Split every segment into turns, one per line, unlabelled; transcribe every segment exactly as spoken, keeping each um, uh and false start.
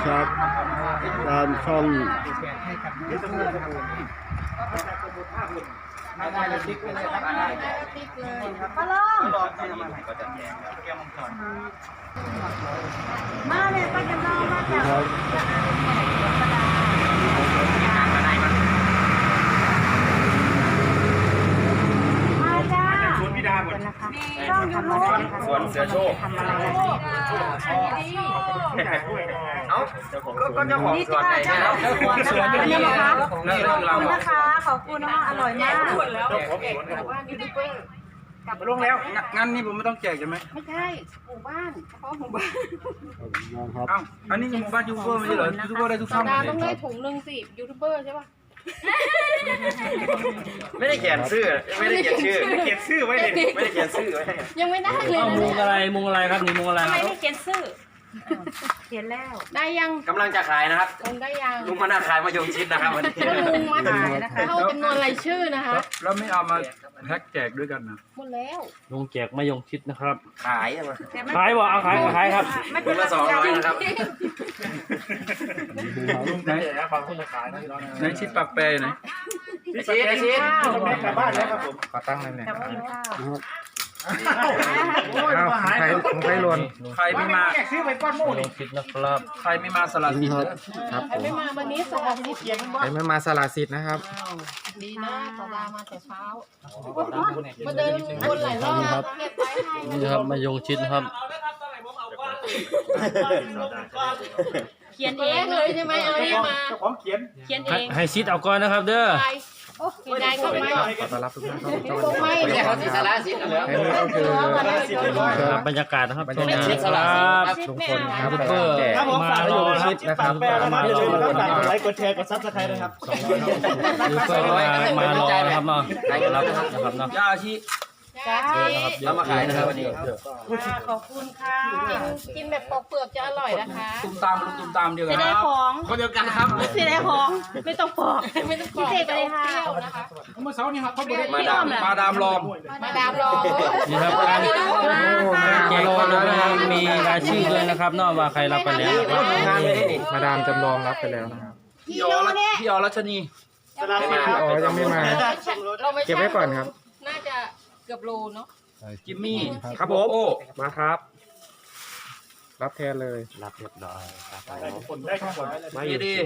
ครับตามช่อง
ไม่ได้เลยติ๊กเลยครับได้ติ๊กเลยปลาลองมาเลยป้าจะนอนมาจาก
ครับ
มาจ้า
สวนพิดาหมด
ต้องยูทูบ
สวนเสือโชค
ทำอะไร
เอ้าก็เจ้าของสวนไงเนี่ย
เจ้าของสวนนี่นะคะขอบคุณ
นี่เรา
นะคะขอบคุณนะคะอร่อยมาก
กลับลงแล้วงั้นนี่ผมไม่ต้องแจกใช่ไหม
ไม่ใช่หมู่บ้านเฉพาะหมู่บ้าน
ครับ
เอ้าอันนี้หมู่บ้านยูทูบเบอร์ไม่ใช่เหรอยูทูบเบอร์ได้ทุกช่อง
ดาต้องได้ถุงหนึ่งสิยูทูบเบอร์ใช่ป่ะ
ไม่ได้เขียนชื่อไม่ได้เขียนชื่อไม่ได้เขียนชื่อไว้เลยไม่ได้เขียนชื่อไว้
ยังไม่ได้เลย
เอามุงอะไรมุงอะไรครับนี่มุงอะไร
ทำ
ค
ไม
รับ
ไม่เขียนชื่อ
เขียนแล้ว
ได้ยัง
กำลังจะขายนะครับ
คงได้ยัง
ลุงมานาขายมายงชิดนะครับวันนี้
ก็ลุงมาถ่ายนะคะเข้าจำนวนรายชื่อนะคะ
แล้วไม่เอามาแพ็กแจกด้วยกันนะ
หมดแล้ว
ลุงแจกมายงชิดนะครับ
ขายอะมา
ขายบ่เอาขายขายครับ
ลุงละสองร้อยนะครับ
ไหนไหนชิดปากแปรอยู่ไหน
ไอชิดไอชิด
กลับบ้านแล้วครับผม
ขอตั้งเลยเนี่ย
แต่ว่ากินข้าว
อ้าวใครของใครหล่น
ใครไม่มา
ซื้อไปก้อนโม่
มายงชิดนะครับ
ใครไม่มาสลัดสิน
ครับ
ครับผ
ใคร
ม
ไม่มาวันนี้สอบที่เขียน
ใครไม่มาสละสิทธิ์นะครับ
ดีนะสดามาแต่เช้ามาเดินวนหลายรอบแล้วเก็บไว้ให้
นี่นะครับมายงชิดนะครับ
เขียนเองเลยใช่ไหมเอาเองมา
เจ้าของเขียน
เขียนเอ
ให้
ง
ให้ชิดเอาก่อนนะครับ เด้อ
ไปไม่ได้ก็ไม่
ขอต้อนรับทุกท่านเข้าสู่ช่อง
คงไม่
ไม่ใช่เขาสีสาระสิเหรอ
อันนี้ก็คือ
ครับบรรยากาศนะครับ
บรร
ช่วง
ยากาศ
นี้ครับ
ลุงพลครับ
ยูทูบ
ไป
เบอร์
แจก
มารอ
ชิดนะครับ
แปลแล้วนะอย่าลืมนะครับฝากกดไลค์กดแชร์กดซับสไครต์นะครับ
ยูทูบเบอร์มามารอนะครับเนาะรับนะครับเนาะ
ยาชี
จ้า
เรามาขายนะครับวันนี้
ขอบคุณค่ะ
กินกินแบบปอกเปลือกจะอร่อยนะคะ
ตุ้มตามลุงตุ้มตามเดียวกั
จะ
น
ได้ของ
คนเดียวกันครับ
จะได้ของไม่ต้องปอก
ไม่ต้องปอก
พิเศษไปเลยค่ะ
เปรี้ยวนะคะ
เมื่อเช้านี้ครับเขาบอก
มาดาม
มาดามลอม
มาดามรอ
นี่ครับการแจกก็มีรายชื่อด้วยนะครับเนาะว่าใครรับไปแล้วนะครับ
งานไม่ได้นี่
มาดามจำลองรับไปแล้วนะครับ
พี่ออรัชพี่ออรัชนี
พี่อ๋อยังไม่มา
เราไม่
เก็บไว้ก่อนครับ
น่าจะเกือบโลเนาะ
จิมมี่
ครับผม
โอ้
มาครับ รับแทนเลย
รับเรียบร้อยครับ
มา
ดี
อยู่
ดี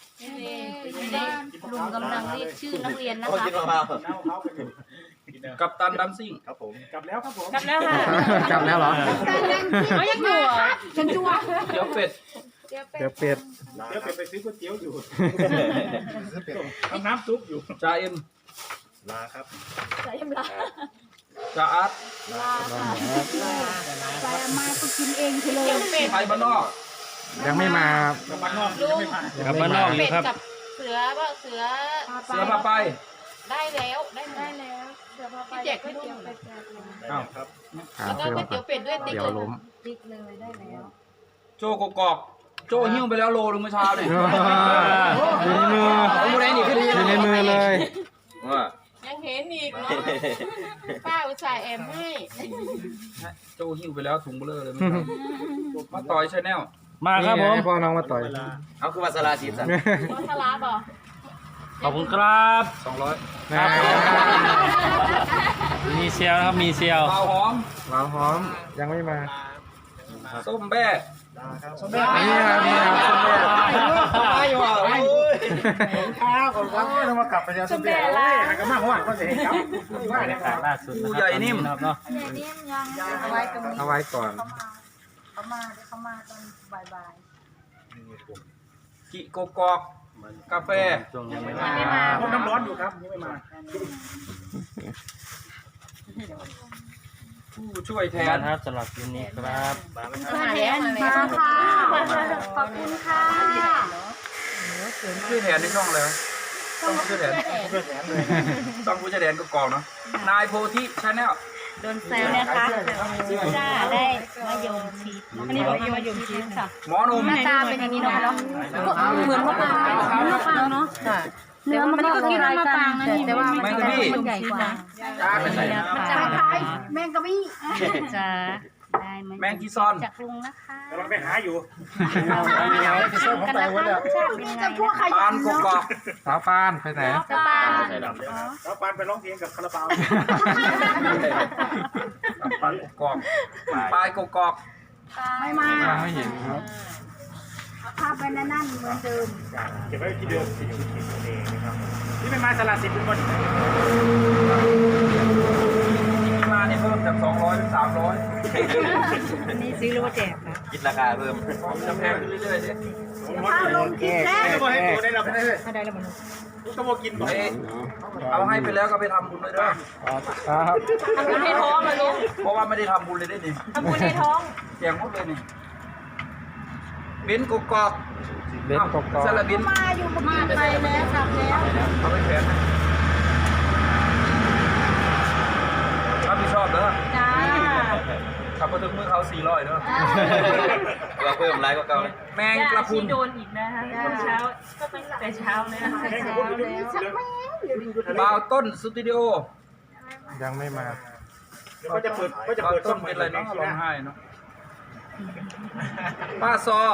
ลุงกำลังเรียกชื่อนักเรียนนะ
เขา
คะ
กินมะพร้าว
กับตันดัมซิ่ง
ครับผมกลับแล้วครับผม
กลับแล้วค่ะ
กลับแล้วเหรอ
เขายังอยู่อ่ะฉันจัว
เดี๋ยวเป็ด
เดี๋ยวเป็ด
เดี๋ยวไปซื้อก๋วยเตี๋ยวอยู่ทำน้ำซุปอยู่
จ่าเอ็ม
ลาครับ
ใส่ยำลา
จ่าอาร์ต
ใส่มาก็กินเองเฉย
เดี๋ยวเป็ด
ไทยบ้านนอก
ยังไม่มา
บ้านนอก
ลุง
กลับมานอกอยู่
เป็ด
ครับ
กับเสือว่าเสือ
เสือพาไป
ได้แล้วได้ได้
แล้วเดี๋ยวพาไป
พี่แจกก๋วยเตี๋ยวเป็ด
อ้าว
หา
แล้วก็
เพื่อน
ก๋วย
ก่
เตี๋
อย น
วเป็ดด้วยติ๊ก
เดี๋ยว
เลย
ล้ม
ติ๊กเลยได้แล้ว
โจกกอกโจหิ้วไปแล้วโลนึงเมื่อเช้าเนี่ย
อยู่ในมือ
เอามูได้นี่ขึ้น
อยู่ในมือเลย
ว่า
ยังเห็นอีกเนาะป้าอุตส่าห์แอมให้
โจหิ้วไปแล้วถุงเบลอเลยเมื่อเช้ามาต่อยชาแนล
มาครับผม
นี่ไงพ่อน้องมาต่อย
เอาคือมาสลาสิสัน
รถทลาบอก
ขอบคุณครับ
สองร้อย
ครับมีเซลนะครับมีเซล
เปล่าหอม
หวานหอมยังไม่มา
ส้มแบ้
นี่ครับนี่ครับส้มแม่
ไม่หรอก
ครับผมครับต้องมากลับไปแล้วสมเด็จเลยหากระมาหัวก็เสียครับว่าเนี่ยครับ
ล่าสุดนะครับเนาะ
เนี่ยยังเอาไว้ตรงนี้
เอาไว้ก่อน
เขามาเดี๋ยวเขามาตอนบ่าย
กิโกกอกกาแฟ
ช่วงยังไม่
ๆ
มา
ไม่มา
ผมน้ำร้อนอยู่ครับยังไม่มา
ผู้ช่วยแทน
ครับสำหรับคลิปนี้ครับ
มาแล้วมาค่ะขอบคุณค่ะ
ผู้ช่วยแทนในช่องเลยต้องผู้ช่วยแทนต้องผู้ช่วยแทนก็กองเนาะนายโพธิชาแนล
โดนแซวนะคะจ้าได้มะยมชีสอันนี้เป็นมะยมชีสค่ะ
หมอหนุ่ม
หน้าตาเป็นอย่างนี้เนาะเหมือนมะปรางเหมือนมะปรางเนาะเนื้อมันก็กินมะปรางนะนี่แต่ว่ามันใหญ่กว่า
จ้าเป็นไร
มันจะคล้ายแมงกะบี้จ้าได้เหมือน
แมงกีซอน
จากลุงนะคะ
กำลังไปหาอยู่
เราไปชมกันนะคะรสชาติเป็นยังไงนะ
ปานกกอก
สาวปานไปไหน
สปา
แล้วปานไปร้องเพลงกับคาราบาว
ปานกกอกปลายกกอก
ไม่มา
ยังไม่เห็นครับ
ภาพเป็นนั่นเหมือนเดิม
เก็บไว้ที่เดิมที่อยู่ที่ตัวเองนะครับนี่เป็นไม้สลัดสิบเป็นคน
ที่มาเนี่ยเพิ่มจากสองร้อยเป็นสามร้อย
อันนี้ซื้อหรือว่าแจกนะ
คิดราคาเพิ่ม
จะแพงขึ้นเรื่อยๆดิ
ข้าวลงกินแล้ว
ไม่บอกให้ตัวได้เราไม่ได้เลย
ไม่ได้แล้วมัน
ก็บอกกินบอก
เอ้ยเอาให้ไปแล้วก็ไปทำบุญเลยเด้อ
ครับ
ทำบุญในท้องมาลูก
เพราะว่าไม่ได้ทำบุญเลยได้นี่
ทำบุญในท้อง
แจกหมดเลยนี่เบนกกอก
เล็กกอก
สลับบิน
มาอยู่ประมาณไปแล้วกลับแล้ว
เอาไปแขวนรับผิดชอบเด้อ
จ้า
ขับมาถึงมือเขาสี่ร้อยเด้อ
เราเพิ่มไลค์ก็เก่าเลย
แมงกระพุน
โดนอีกนะคะตอนเช้าก็ตั้งแต่เช้าเลยนะคะเช้าแล้ว
บ่าวต้นสตูดิโอ
ยังไม่มา
ก็จะเปิดก็จะ
บ่าว
เปิด
ต้นเป็นอะไรเนาะร้องไห้เนาะป้าซอ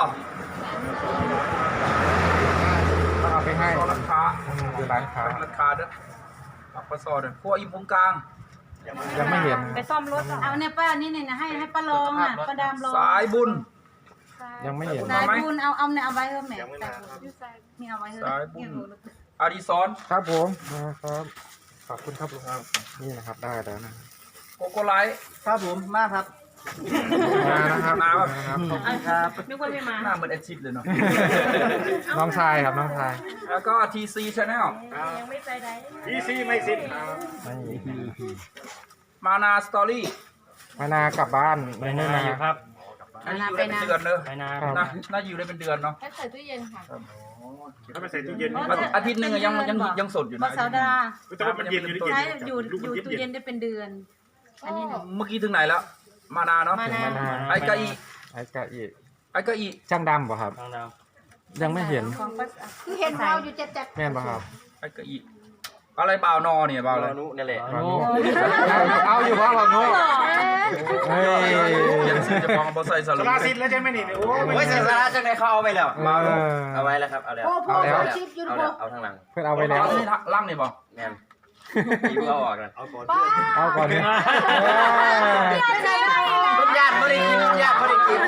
ต้องเอาไปให้
ซอราคา
อืมคือร้านค้า
ราคาเด้อปักป้าซอเด้อพวกอิมพุงกลาง
ยังไม่เห็น
ไปซ่อมรถเอาเนี่ยป้านี่เนี่ยให้ให้ป้าลองอ่ะป้าดามลอง
สายบุญ
ยังไม่เห็น
สายบุญเอาเอาเนี่ยเอาไว้เถอะแม่นี่เอาไว้เถอะ
สายบุญอาดิซอน
ครับผมนะครับขอบคุณครับลุงครับนี่นะครับได้แล้วนะ
โกโกไลท์
ครับผมมาครับ
มานะครับ
มาครับ
นะครับ
ครับ
นึกว่าไม่มา
หน้าเหมือนแอดชิดเลยเนาะ
น้องชายครับน้องชาย
แล้วก็ ที ซี Channel
ยังไม่ไปไหน
อีซีไม่สิ้น
นี่
มานาสตอรี่
มานากลับบ้านไม่ไม่มา
อยู่ครับ
อันนี้อยู่ได้เป็นเดือนเนอะ
ไปนา
ครับ
น่าน่าอยู่ได้เป็นเดือนเนาะ
ให้ใส่ตู้เย็นค่ะ
ถ้าไปใส่ตู้เย็น
อาทิตย์หนึงอะยังยังยังสดอยู่
บอ
นะ
สาวดา
แต่ว่ามันเย็นอยู่ใน
ใช้
เย็น
อยู่อยู่ตู้เย็นได้เป็นเดือน อันนี้หนู
เมื่อกี้ถึงไหนแล้ว มานาเนาะ
มานา
มานา
ไอ้กะอี
ไอ้กะอีก
ไอ้กะอี
ช่างดำป่ะครับ
ทางดาว
ยังไม่เห็น
ของป้า
คือเห็นเราอยู่เจ็ดเจ็ด
แม่นป่ะครับ
ไอ้กะอีอะไรบ่าวนอเนี่ยบ่าวอะไร
นุนี่แหละ
เอาเอาอยู่เพราะเราโน้เฮ้ย
เขียนชื่อเจะฟองบอใส่ส
ส
รุป
ลาสิ้นแล้วใช่ไหมนี่โอ้
โอ้ยเสียสาระจังไหนเขาเอาไปแล้ว
บ่าว
เอ
เนาะ
อ
เอาไว้แล้วครับ เอาแล้ว
โอ้โห
เอาแล้ว
ชิปอยู่
เอา
ดู
แล้วเอาทางหลัง
เพื่อนเอาไปแล้ว
เอาที่ล่างนี่บ่
แมนอีเพิ่งเอาออกนะ
ป้า
เอาก่อนเนี่ย
ไม่ได้
คุณญาติไม่ได้กินคุณญาติไม่ได้กิน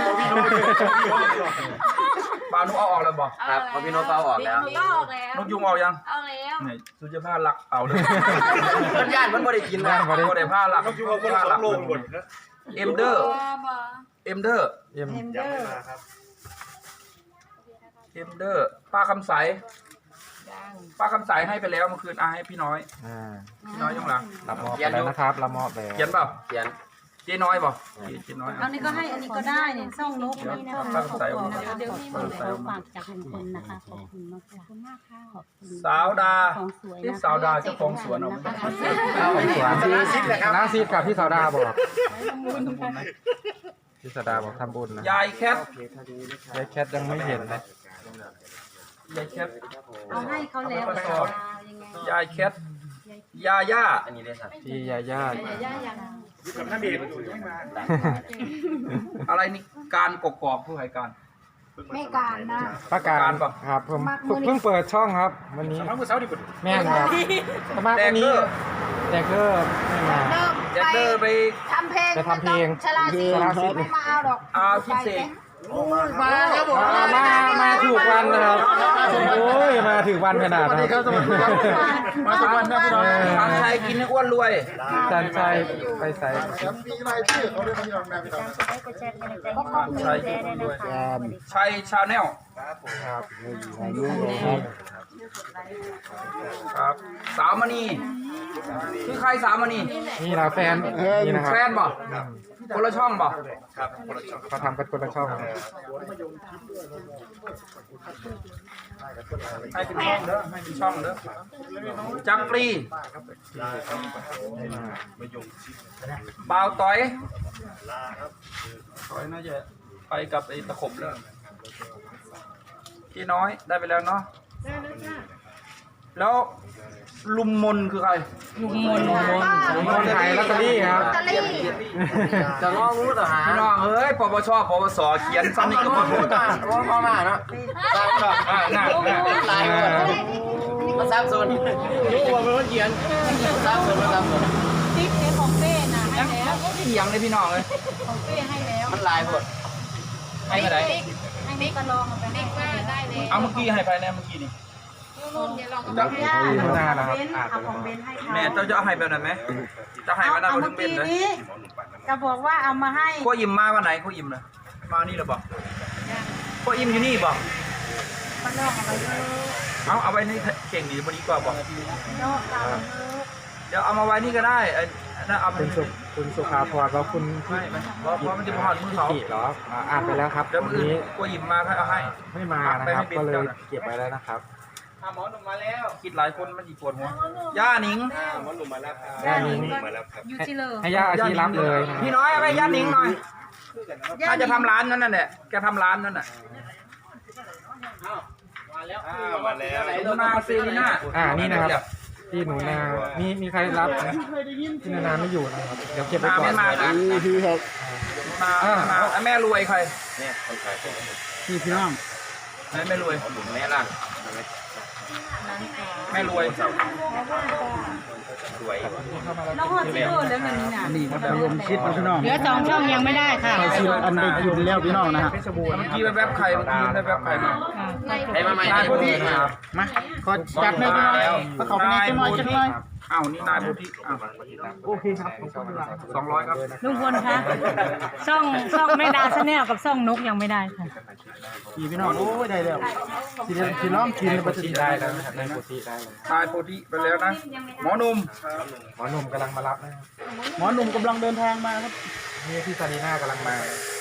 บ่าวนุเอาออกแล้วบ่
ครับพอพี่โน้ตเอาออกแล้ว
ก็ออกแล้ว
นกยุงเอายัง
เอาแล้ว
นี่สุจภาพหลักเอาเลย
คุณญาติมันไม่ได้กินนะ
ย่านบ่ได้
ก็ได้ผ้าหลัก
ก็อยู่กับคนสองโลหมดนะ
เอ็มเดอร์เอ็มเดอร์
เยี่ยม
ยังไม่มาครับ
เอ็มเดอร์ป้าคำใสป้าคำใสให้ไปแล้วเมื่อคืนอาให้พี่น้อย
อ่า
พี่น้อยยังหลัง
รับมอบไปแล้วนะครับรับมอบแล้ว
เขียนเปล่า
เขียน
เจ๊น้อยเปล่าเจ๊น้อย
เอานี่ก็ให้อันนี้ก็ได้เนี่ยซ่องนกนี่นะ
ป้าคำใส
ขอบคุณนะคะเดี๋ยวมีหมดแล้วฝากจากลุงพลนะคะขอบคุณมากขอบคุณมากค่ะขอบคุณ
สาวดา
ของสวย
ที่
นะ
สาวดาเจ้าของสวนเอา
นะคะ
เอาไปสวนน้าซีดกับพี่สาวดาบอกพี่สาวดาบอกทำบุญนะ
ยายแคท
ยายแคทยังไม่เห็นเลย
ยายแคท
เอาให้เขาแล้วยังไง
ยายแคทยาย่า
อันนี้ได้สัก
พี่ยาย่า
อยู่กับท่านเดชไม่มา
อะไรนี่การกกอกผู้ให้การ
ไม่การนะ
ประกาศครับผมเพิ่งเปิดช่องครับ วันนี้
สามมือเสาดิบุตร
แม่นครับประมาณวันนี้แดกเกอร์ไม่มา
เริ่ม
แจ็คเดอร์ไป
ทำเพลง
ไปทำเพลง
ชลาซีไม่มาเอาดอก
เอาที่เสก
มาครับผม
มามามาถูกวันนะครับโอ้ยมาถึงวันขนาดนั้น
มาทุกวันนะพี่น้องทางชัยกินให้อ้วนรวย
จันชัยไปใส่
มีรายชื่อเขาด้วยพี่น้องนะพี่น้อง
ทางชัยกินให้อ้วนรวยชัยชาแนล
ครับ
ครับ สาวมณีคือใครสาวมณี
นี่นะแฟนนี่นะครับ
แฟนบ่คนละช่องบ่
เขาทำกันคนละช่อง
ให้เป็นช่องเด้อให้เป็นช่องเด้อจักรีบ่าวต้อยต้อยน่าจะไปกับไอ้ตะขบแล้วพี่น้อยได้ไปแล้วเนาะแล้วลุมมนคือใคร
ลุงมนลุงมน
ผมคนขายลอตเตอรี่ครับ
จะง้องูต่อหา
พี่น้องเอ้ยปปชปปสเขียนซ้ำนี่ก็พอพูดอ่ะ
ว่าพ่อมาเนาะ
อ่าน่าน่า
ลายมาซับซ้อนรู้ว่าเป็นคนเขียนซับซ้อนซับซ้อน
ติ๊กเจ๊ของเป้นะให้แล้ว
เถียงเลยพี่น้องเลย
ของเป้ให้แล้ว
มันลายหมด
ให้มาไหน
ให้ติ๊กก็ลองเอาไปให้
ติ๊กว่าได้เลย
เอาเมื่อกี้ให้ไปแน่เมื่อกี้นี่
นู่นเดี๋ยวลอง
จะ
ที่หนูนานะครับอ่าน
เอา
ไป
ของเบ
แล้ว
นให้เขา
แม่เจ้าจะให้แบบไหนไหมจะให้มาได้
เอา
คน
เมื่
ถึ
อง
เป็น
กี้
เลย
นี้จะบอกว่าเอามาให้
พวกอิ่มมาวันไหนพวกอิ่มนะมานี่หรือเปล่าพวกอิ่มอยู่นี่บอก
มันนอกเอาไปเลย
เอาเอาไว้ในเข่งดีพอดีกว่าบอก
นอกเอาเลย
เดี๋ยวเอามาไว้นี่ก็ได้ไอ้นั่นเอาไป
คุณสุคุณสุภาพรแล้วคุณ
ไม่ไม่เพราะเพราะมันจะพอดมือเขา
กิเหรออ่าอ่านไปแล้วครับ
เดี๋ยว
วั
มื
น
อ
นี้
พวกอิ่มมาให้เอาให้
ไม่มานะครับก็เลยเก็บไว้แล้วนะครับ
หมอหนุ่มมาแล้ว
คิดหลายคนมันจีปวดหัวย่าหนิง
หมอหนุ่มมาแล้วครับ
ย่านิง
อยู่ที่เลย
ให้ย่าอาชีรับเลยนะ
พี่น้อยเอาไปย่าหนิงหน่อยถ้าจะทำร้านนั่นน่ะแหละแกทำร้านนั่นน่ะ
มาแล้วมาแล้ว
หนูนาซีนีน่า
อ่านี่นะครับที่หนูนามีมีใครรับนะที่หนูนาไม่อยู่นะครับเดี๋ยวเก็บไว้
นา
ก่อ
ไม่
น
มาครับ
พี่ครับ
นานาแม่รวยใคร
เนี่ยคนขาย
พี่พี่น้อง
แม่ไม่รวย
แม่ล่ะ
แม่รวย
สวย
แล้วหอดที่เลยแล้วเงินนี่น่ะ
นี่ครับมายมชิดนะพี่น้อง
เหลือสองช่องยังไม่ได้ค่ะ
ชิดอันไปกินแล้วพี่น้องนะฮะ
เมื่อกี้แวบๆใครเมื่อกี้ได้แวบใครมา
ให้มาใหม่
นายพุทธิ
มาขอจัดให้พี่น้องมาเขาไปในจังหน่อยจังหน่อย
อ้าวนี่นายพุทธิอ้าว
โอเคครับขอบคุณครับ
สองร้อยครับ
ลุงพลคะช่องช่องแม่ดาชาแนลกับช่องนกยังไม่ได้ค่ะ
พี่พี่น้องโอ้ยได้แล้วสิเดี๋ยวสิน้องกินแล้วมันจะได้แล้วนะครับได้โปรตีได้เลย
นายพุทธิไปแล้วนะหมอหนุ่ม
หมอหนุ่มกำลังมารับนะครับหมอหนุ่มกำลังเดินทางมาครับนี่พี่ซารีน่ากำลังมา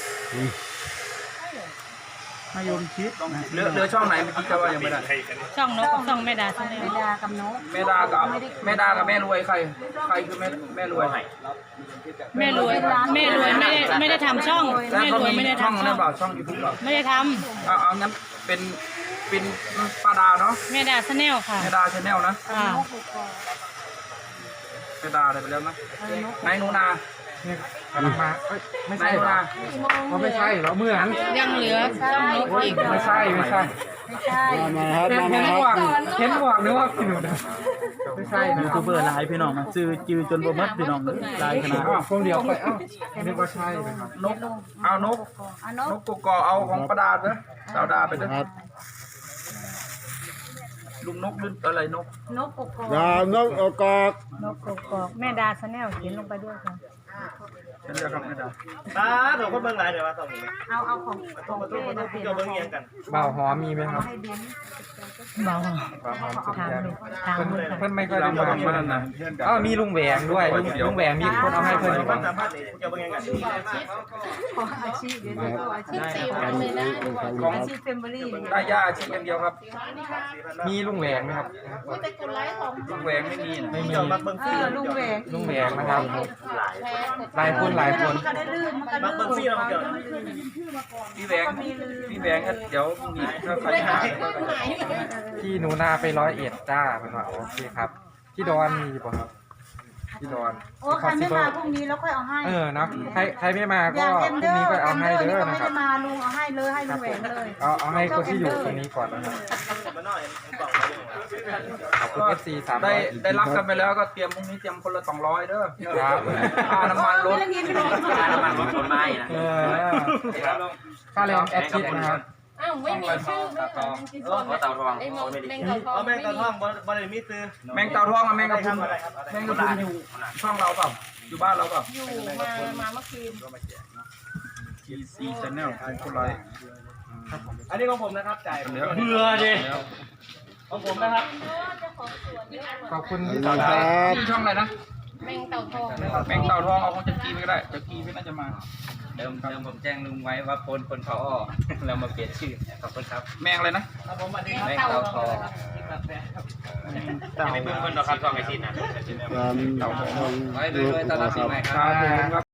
มายมชิด
เหลือเหลือช่องไหนเมื่อกี้จะว่ายังไม่ได้
ช่องนกกับช่องแม่ดาชาแนลแม่ดากับนก
แม่ดากับแม่ดากับแม่รวยใคร ใครคือแม่แม่รวย
แม่รวยแม่รวยไม่ได้ไม่ได้ทำช่อง
แล้ว
แม่
เขา
รวย
มี
ไม่ได้
ช่อง
ทำช่
นั่
อน ง
เปล่าช่องยูทูบเปล่า
ไม่ได้ท
เอาเอางั้นเป็นเป็นป้าดาเนาะ
ำแม่ดาชาแนลค่ะ
แม่ดาชาแนลนะ
อ่า
แม่ดาอะไรไปแล้วนะนายหนูนา
นี่กำลังมาเอ้ยไม่
นา
ใช่
ยหนู
เหรอ
นา
เขาไม่ใช่เหรอเหมือน
ยังเหลือช่องนกอีก
ไม่ใช่ไม่ใช่
ไม่ใช่
มาครับมาครับเห็นหวังนึกว่าพี่หนูนะไม่ใช่นะ
ยูทูบเบอร์หลายพี่น้องนะจือจือจนบ่หมดพี่น้องหลายขนาด
อ้าวพวกเดียวไปเอ้านึกว่าใช่นะครับ
นกเอานก
อ่ะน
น
ก
กกกอเอาของประดาเด้อสาวดาไปเด้อลุงนกลื่นอะไรนก
นกกกอก
ยานกอกอก
นกกกอกแม่ดาชาแนลเขียนลงไปด้วยค่ะ
ฉันเรียกครับแม่ดา
ตาถูกคนเบิ่งหลายเดี๋ยวว่าต้องมี
เอาเอาของของเป้นะเปลี่ยน
เบิ่งเอียงกัน
บ่าวหอมมีไหมครับ
ให้เบนเบา
บ่าวหอมสุด
ถาม
ยอด
เลยถาม
เพิ่น
เลยค่ะ
เพิ่นไม่ค่อย
เรา
ได้
มา
มา
ทำมานั่นนะ
อ้าวมีลุงแหวงด้วยลุงลุงแหวงมีคนเอาให้เพิ่นอยู่
คน
บ้าง
สัมภาษณ์นี่จะเบิ่งเอียงกัน
ขออาชีพเดี๋ยวจะขออาชี
ขึ้
พ
นสี่วันเลยนะ
ของ
อาชีพเฟมเบอรี่
ได้ย่าชิ้นอย่างเดียวครับ
มีลุงแหวงไหมครับ
มีแต่กดไลค์ของ
ลุงแหวงไม่มีนะ
ไม่มี
เดี๋ยวมาเบิ่ง
เอ
ฟรี
อลุงแหวง
ลุงแหวงนะครับ
หลาย
แพ้กด
หลายคนหลายคน
มันก็ได้ลื่นมันก็
มา
ลื่
เบิ่งฟรี
น
แล้วเดี๋ยว
พี่แหวงพี่แหวงก็เดี๋ยวพรุ่งนี้ถ้าใครหา
พี่หนูนาไปร้อยเอ็ดจ้าเพิ่นว่าโอเคครับพี่ดอนมีป่ะครับพี่ดอน
โอ้ใครไม่มาพรุ่งนี้แล้วค่อยเอาให้
เออเนาะใครใครไม่มา
อ
ก็
ย่าง
พ
เอ็ม
รุ่ง
เดอ
นี้
ร์
ก็เอา
เอ็ม
ให้
เดอร์
เด้
นี่
อ
ก็
นะ
ไม่
ครั
ได้
บ
มาลุงเอาให้เลยให้ลุงแหวงเลย
เอาเอาให้คนที่อยู่ตรงนี้ก่อนนะครับ
มาหน่อยกล่อง
ขอบคุณ เอฟ ซี สามร้
ได้
อย
ได้รับกันไปแล้วก็เตรียมพรุ่งนี้เตรียมคนละสองร้อยเด้อ
ครับ
ค่าน้ำมันรถ
ค่าน้ำมันรถคนไม้นะ
เออค่าแรงแอดชิดนะครับ
อ้าวไม่มีชื่อไม่เหมือนที่
เออเพราะเตาทอง
ไอ้ม
เขา
ง
ไม่ได้
แมง
กิน
เต่าทอง
เอาแม่งเตาทองบ่บ่ได้มีซื้อ
แมงเต่าทองกับแมงกะพรุนแมงกะพรุนอยู่ช่องเราเปล่าอยู่บ้านเราเปล่า
อยู่มามาเมื่อคืน
ทีซีชาแนลคนไร
อันนี้ของผมนะครับจ่าย
เหลือ
เบื่อดิของผมนะครับ
ขอบคุณพี่ต่อครับ
ที่ช่องอะไรนะ
แมงเต่าทอง
แมงเต่าทองเอาของจักรีไปก็ได้จักรีไม่น่าจะมา
เดิมเดิมผมแจ้งลุงไว้ว่าคนคนเขาอ้อเรามาเปลี่ยนชื่อขอบคุณครับ
แมงอะไรนะ
ผมอันนี้
แมงเต่าทอง
ไม่เพิ่งคนหรอกครับทองไอซินนะ
เต่าทอง
ไว้ด้วยต้อนรับปีใหม่ค
ค
รั
รับผม
บ
ครับ